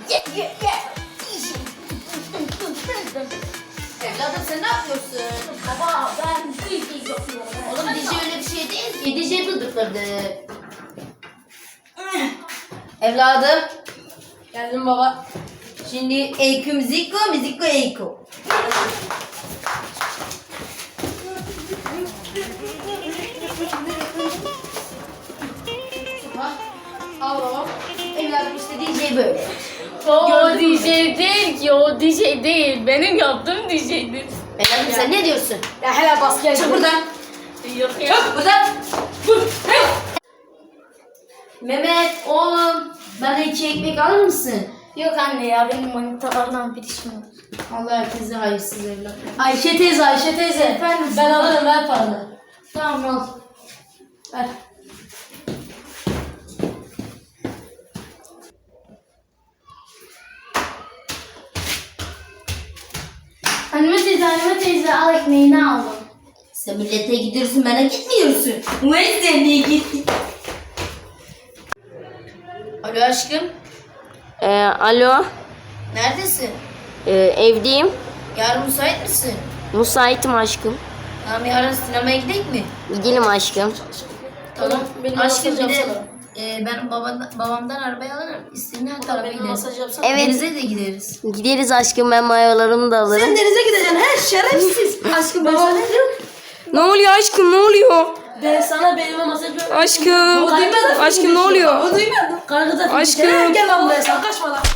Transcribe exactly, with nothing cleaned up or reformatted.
Evladım sen ne yapıyorsun? Baba ben D J yapıyorum. Oğlum D J öyle bir şey değil ki. D J tutukladı. Evladım. Geldim baba. Şimdi Eyku Müziko, Müziko Eyku. Al baba. Evladım işte D J böyle. O D J değil ki, o D J değil. Benim yaptığım D J'dir. Evladım sen ne diyorsun? Ya hele bas gel. Çık buradan. Yok ya. Çık buradan. Mehmet oğlum bana iki ekmek alır mısın? Yok anne ya, benim manitalardan bir işim var. Allah herkese hayırsız evlat. Ayşe teyze, Ayşe teyze. Efendim? Ben alırım, ver paranı. Tamam al. Ver. Anneme teyze, anneme teyze al ekmeğini aldım. Sen millete gidiyorsun bana gitmiyorsun. Ulan sen niye gittin? Alo aşkım. Ee, alo, Neredesin? ee, evdeyim. Yarın müsait misin? Müsaitim aşkım. Tamam yarın sinemaya gidelim mi? Gidelim aşkım. Tamam. Benim Aşkım masaj bir de yapsana. e, ben babadan, babamdan arabayı alırım. İstediğin her tarafa Benim gideriz. masaj yapsana. Evet. Denize de gideriz. Gideriz aşkım, ben mayolarımı da alırım. Sen denize gideceksin, he şerefsiz. Aşkım ben sana diyorum. Ne oluyor aşkım, ne oluyor? Ben sana benimle masaj yapıyorum. Aşkım, O duymadı. aşkım ne oluyor? O duymadı. Kargıda. Aşkım. Gel lan buraya, sen kaçma lan.